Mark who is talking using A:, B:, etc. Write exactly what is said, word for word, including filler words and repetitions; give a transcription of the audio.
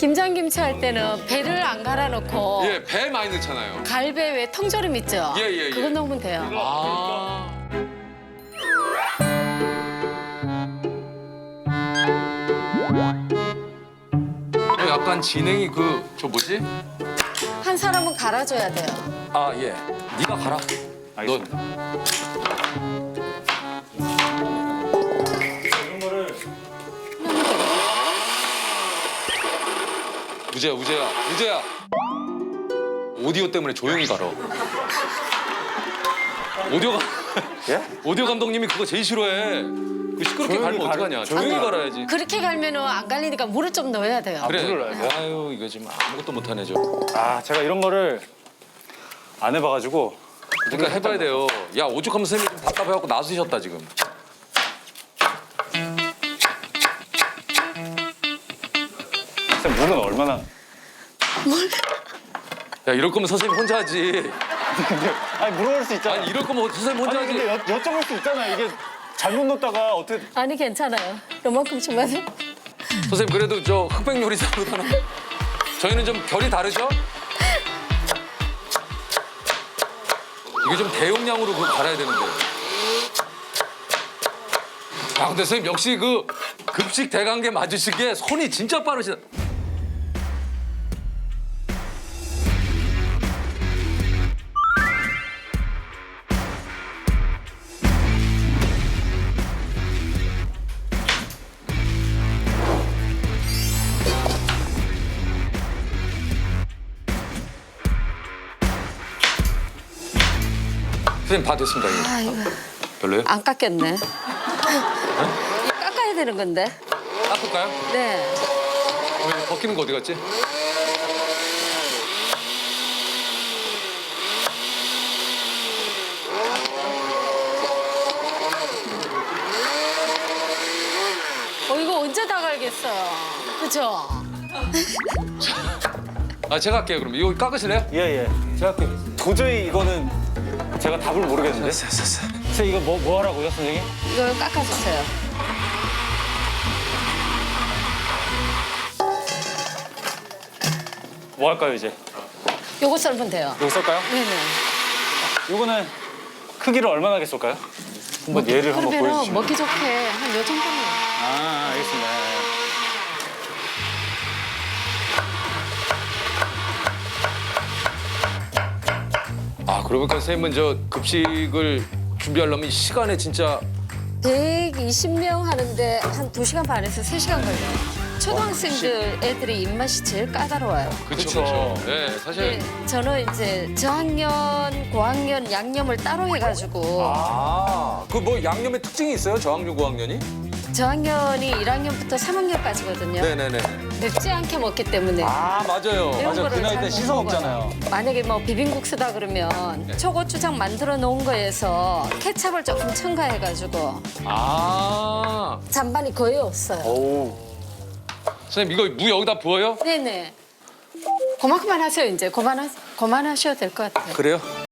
A: 김장김치 할 때는 배를 안 갈아놓고
B: 예, 배 많이 넣잖아요.
A: 갈배 왜 통조림 있죠?
B: 예, 예, 예.
A: 그거 넣으면 돼요.
B: 아. 어, 약간 진행이 그 저 뭐지?
A: 한 사람은 갈아줘야 돼요.
B: 아 예. 네가 가라.
C: 알겠습니다. 이런 거를
B: 우재야, 우재야, 우재야. 오디오 때문에 조용히 가라. 오디오가
C: 예?
B: 오디오 감독님이 그거 제일 싫어해. 그 시끄럽게
C: 조용히
B: 갈면
C: 갈-
B: 어떡하냐.
C: 조용히
B: 조용히
C: 가-
B: 갈아야지.
A: 그렇게 갈면은 안 갈리니까 물을 좀 넣어야 돼요.
B: 그래.
C: 물을 넣어야 돼요?
B: 아유 이거 지금 아무것도 못하네 저.
C: 아 제가 이런 거를 안 해봐가지고
B: 그러니까 해봐야 돼요. 야 오죽하면 선생님이 좀 답답해갖고 나서셨다 지금.
C: 쌤 물은 얼마나?
B: 야 이럴 거면 선생님 혼자 하지.
C: 근데 아니 물어볼 수 있잖아.
B: 아니 이럴 거면 선생님 혼자
C: 아니
B: 하지.
C: 근데 여, 여쭤볼 수 있잖아. 이게 잘못 넣었다가 어떻게?
A: 아니 괜찮아요. 요만큼 주면
B: 선생님 그래도 저 흑백 요리사로 하나. 저희는 좀 결이 다르죠? 이게 좀 대용량으로 그거 갈아야 되는데. 아 근데 선생님 역시 그 급식 대관계 맞으시기에 손이 진짜 빠르시다. 선생님 다 됐습니다. 이거.
A: 아 이거
B: 별로요?
A: 안 깎였네. 이거 깎아야 되는 건데.
B: 닦을까요?
A: 네.
B: 어, 이거 벗기는 거 어디 갔지?
A: 어 이거 언제 다 갈겠어요. 그죠?
B: 아 제가 할게요 그럼. 이거 깎으실래요?
C: 예예. 제가 할게요. 도저히 이거는 제가 답을 모르겠는데. 쌤 이거 뭐, 뭐 하라고요 선생님?
A: 이걸 깎아주세요.
C: 뭐 할까요 이제?
A: 요거 썰면 돼요.
C: 이거 쓸까요?
A: 네네.
C: 이거는 크기를 얼마나 하겠을까요? 한번 예를 한번
A: 그러면
C: 보여주시면.
A: 먹기 좋게 한 요 정도면.
C: 아 알겠습니다.
B: 아 그러니까 선생님은 저 급식을 준비하려면 시간에 진짜
A: 백이십 명 하는데 한 두 시간 반에서 세 시간 걸려요. 초등학생들 애들이 입맛이 제일 까다로워요.
B: 그렇죠
C: 그쵸.
B: 그렇죠. 예 사실
A: 네, 저는 이제 저학년, 고학년 양념을 따로 해가지고
B: 아그 뭐 양념의 특징이 있어요 저학년 고학년이?
A: 저학년이 일 학년부터 삼 학년까지거든요.
B: 네네네.
A: 맵지 않게 먹기 때문에
B: 아 맞아요.
A: 이런
C: 맞아,
A: 거를
C: 그 나이
A: 잘
C: 때
A: 못
C: 씻어
A: 먹어요.
C: 먹잖아요.
A: 만약에 뭐 비빔국수다 그러면 초고추장 만들어 놓은 거에서 케찹을 조금 첨가해가지고
B: 아
A: 잔반이 거의 없어요.
C: 오.
B: 선생님 이거 무 여기다 부어요?
A: 네네. 그만큼만 하세요 이제. 그만 그만하셔도 될 것 같아요.
B: 그래요?